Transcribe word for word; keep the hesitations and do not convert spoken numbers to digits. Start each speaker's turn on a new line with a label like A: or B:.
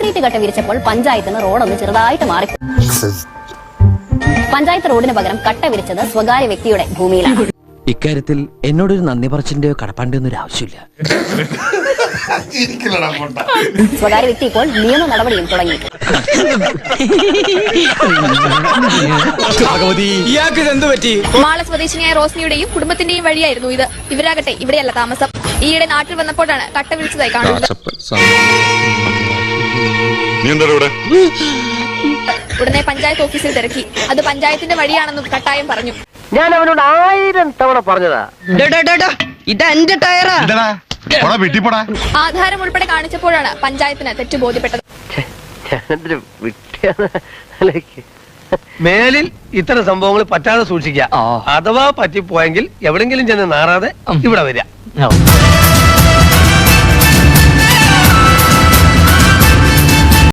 A: Concrete കട്ട വിരിച്ചപ്പോൾ പഞ്ചായത്തിന് റോഡൊന്ന് ചെറുതായിട്ട് മാറി. പഞ്ചായത്ത് റോഡിന് പകരം കട്ട വിരിച്ചത് സ്വകാര്യ വ്യക്തിയുടെ ഭൂമിയിലാണ്.
B: ഇക്കാര്യത്തിൽ എന്നോടൊരു നന്ദി പറച്ചിന്റെയോ കടപ്പാണ്ടിയോ ഒരു ആവശ്യമില്ല.
A: സ്വകാര്യ വ്യക്തി ഇപ്പോൾ നിയമ നടപടിയും തുടങ്ങി.
C: മാള സ്വദേശിനിയായ റോസ്നിയുടെയും കുടുംബത്തിന്റെയും വഴിയായിരുന്നു ഇത്. ഇവരാകട്ടെ ഇവിടെയല്ല താമസം. ഈയിടെ നാട്ടിൽ വന്നപ്പോഴാണ് കട്ട വിളിച്ചതായി കാണുന്നത്. ഉടനെ പഞ്ചായത്ത് ഓഫീസിൽ തിരക്കി. അത് പഞ്ചായത്തിന്റെ വഴിയാണെന്നും കട്ടായം പറഞ്ഞു.
D: ഞാൻ അവനോട് ആയിരം തവണ പറഞ്ഞതാ, ഇതെന്റെ ടയറാ.
C: ആധാരം ഉൾപ്പെടെ കാണിച്ചപ്പോഴാണ് പഞ്ചായത്തിന് തെറ്റ് ബോധ്യപ്പെട്ടത്.
D: മേലിൽ ഇത്തരം സംഭവങ്ങൾ പറ്റാതെ സൂക്ഷിക്കുക. അഥവാ പറ്റിപ്പോയെങ്കിൽ എവിടെങ്കിലും ചെന്ന് നാറാതെ ഇവിടെ വരിക.